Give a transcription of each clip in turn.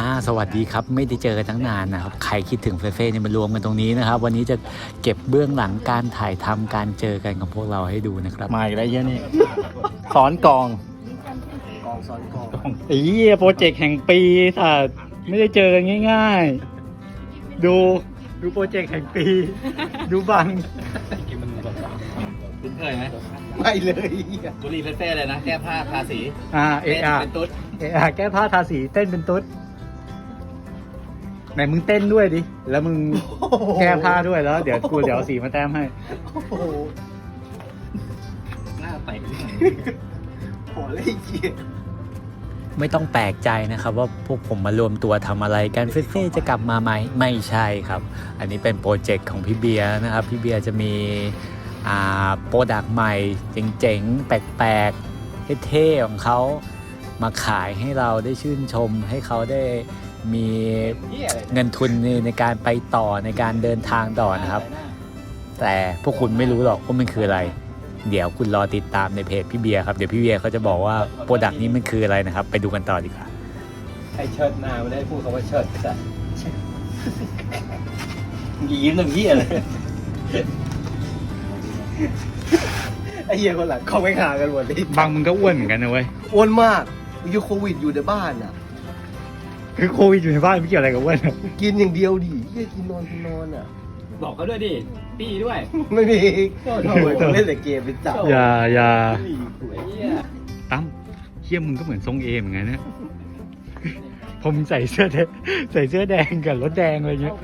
สวัสดีครับไม่ได้เจอกันตั้งนานนะครับใครคิดถึงเฟ่ๆเนี่ยมารวมกันตรงนี้นะครับวันนี้จะเก็บเบื้องหลังการถ่ายทำการเจอกันของพวกเราให้ดูนะครับมาอีกแล้วเยอะนี่สอนกองสอนกองไอ้เหี้ยโปรเจกต์แห่งปีสัตว์ไม่ได้เจอกันง่ายๆดูโปรเจกต์แห่งปีดูบังกินมันแบบคุ้นเคยไหมไม่เลยบุรีเฟ่ๆเลยนะแก้ผ้าทาสีเป็นตุ๊ดแก้ผ้าทาสีเต้นเป็นตุ๊ดไหนมึงเต้นด้วยดิแล้วมึงแก้ผ้าด้วยแล้วเดี๋ยวเอาสีมาแต้มให้หน้าไปโหเลยเกียไม่ต้องแปลกใจนะครับว่าพวกผมมารวมตัวทำอะไรกันเฟ่ๆจะกลับมาไหมไม่ใช่ครับอันนี้เป็นโปรเจกต์ของพี่เบียร์นะครับพี่เบียร์จะมีโปรดักต์ใหม่เจ๋งๆแปลกๆเท่ๆของเขามาขายให้เราได้ชื่นชมให้เขาได้มีเงินทุนในการไปต่อในการเดินทางต่อนะครับแต่พวกคุณไม่รู้หรอกว่ามันคืออะไรเดี๋ยวคุณรอติดตามในเพจพี่เบียร์ครับเดี๋ยวพี่เบียร์เขาจะบอกว่าโปรดักต์นี้มันคืออะไรนะครับไปดูกันต่อดีกว่าไอเชิดหน้าไม่ได้พูดคำว่าเชิดจ้ะยิ้มหนึ่งเหี้ยเลยไอเหี้ยคนหลังเขาไม่หากันหมดเลยบางมึงก็อ้วนเหมือนกันนะเว้ยอ้วนมากอยู่โควิดอยู่ในบ้านอ่ะคือโควิดอยู่ในบ้านไม่เกี่ยวอะไรกับอ้วนกินอย่างเดียวดิเหี้ยกินนอนอ่ะบอกเขาด้วยดิปี้ด้วยไม่มีเล่นแต่เกมเป็นจับอย่าตั้มเหี้ยมึงก็เหมือนทรงเอเหมือนกันนะผมใส่เสื้อแดงกับรถแดงอะไรเงี้ย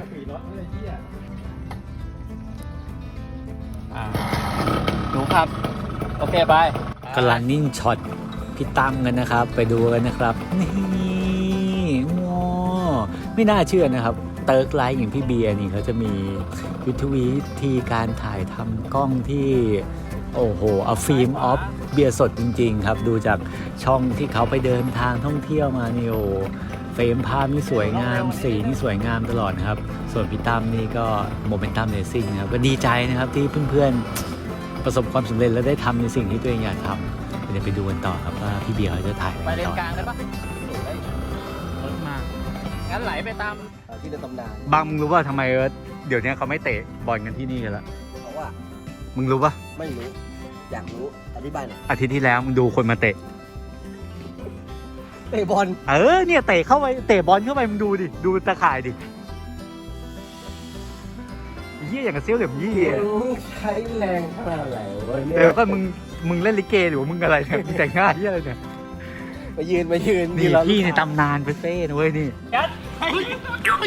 หนูครับโอเคไปกำลังนิ่งช็อตพี่ตั้มกันนะครับไปดูกันนะครับนี่ว้าไม่น่าเชื่อนะครับเติร์กไลท์อย่างพี่เบียร์นี่เขาจะมีวิธีการถ่ายทำกล้องที่โอ้โหเอาฟิล์มออฟเบียร์สดจริงๆครับดูจากช่องที่เขาไปเดินทางท่องเที่ยวมานี่โอ้เฟรมภาพนี่สวยงามสีนี่สวยงามตลอดนะครับส่วนพี่ตั้มนี่ก็โมเมนตัมเรซิ่งนะครับก็ดีใจนะครับที่เพื่อนๆประสบความสำเร็จและได้ทำในสิ่งที่ตัวเองอยากทำเดี๋ยวไปดูกันต่อครับว่าพี่เบียร์เขาจะถ่ายไปเลนกลางกันปะรถมางั้นไหลไปตามที่ในตำนานบางมึงรู้ว่าทำไมเดี๋ยวนี้เขาไม่เตะบอลกันที่นี่กันแล้วเพราะว่ามึงรู้ปะไม่รู้อยากรู้อธิบายหน่อยอาทิตย์ที่แล้วมึงดูคนมาเตะบอลเนี่ยเตะเข้าไปเตะบอลเข้าไปมึงดูดิดูตะข่ายดิยี่อย่างกับเซี่ยวเหลี่ยมยี่ใช้แรงขนาดไหนวะเนี่ยก็มึงเล่นลิเกหรือมึงอะไรเนี่ยมึงแต่งง่ายยี่อะไรเนี่ยมายืนนี่พี่ในตำนานเฟ่ๆนะเว้ยนี่หยุด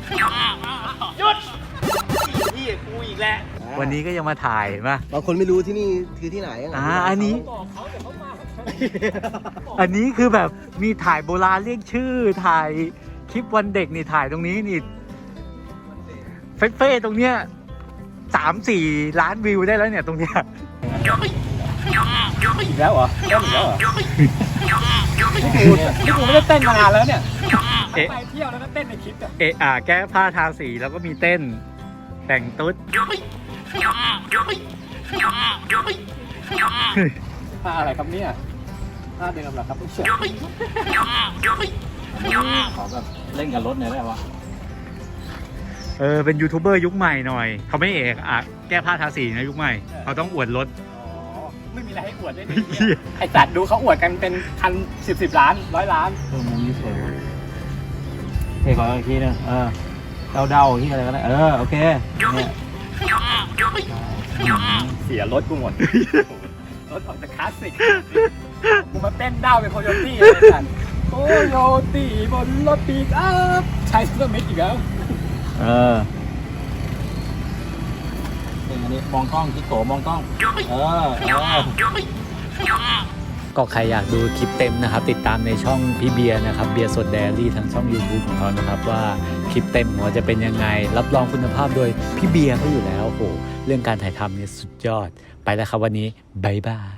พี่กูอีกแล้ววันนี้ก็ยังมาถ่ายป่ะบางคนไม่รู้ที่นี่คือที่ไหนอันนี้คือแบบมีถ่ายโบราณเรียกชื่อถ่ายคลิปวันเด็กนี่ถ่ายตรงนี้นี่เฟ่ๆตรงเนี้ย3-4 ล้านวิวได้แล้วเนี่ยตรงเนี้ยอีกแล้วเหรอนี่กูไม่ได้เต้นมานานแล้วเนี่ยไปเที่ยวแล้วก็เต้นในคลิปแก้ผ้าทาสีแล้วก็มีเต้นแต่งตุ๊ดผ้าอะไรครับเนี่ยผ้าเดิมเหรอครับผู้เชี่ยวขอแบบเล่นกับรถหน่อยได้ปะเป็นยูทูบเบอร์ยุคใหม่หน่อยเขาไม่แก้ผ้าทาสีนะยุคใหม่เขาต้องอวดรถไม่มีอะไรให้อวดได้เลยไอ้จัดดูเขาอวดกันเป็นพัน10 ล้าน100 ล้านมุมนี้สวยเท่ขออีกทีนึงเดาที่อะไรก็ได้โอเคเนี่ยเสียรถกูหมดรถออกจากคลาสสิกกูมาเต้นดาวเป็นโคโยตี้เลยกันโคโยตี้บนรถปีกอัพใช้เสื้อมิดอีกแล้วอันนี้มองกล้องคิดโกมองกล้องก็ใครอยากดูคลิปเต็มนะครับติดตามในช่องพี่เบียร์นะครับเบียร์สดไดอารี่ทางช่อง YouTube ของเขานะครับว่าคลิปเต็มของเขาจะเป็นยังไงรับรองคุณภาพโดยพี่เบียร์เขาอยู่แล้วโอ้โหเรื่องการถ่ายทำเนี่ยสุดยอดไปแล้วครับวันนี้บ๊ายบาย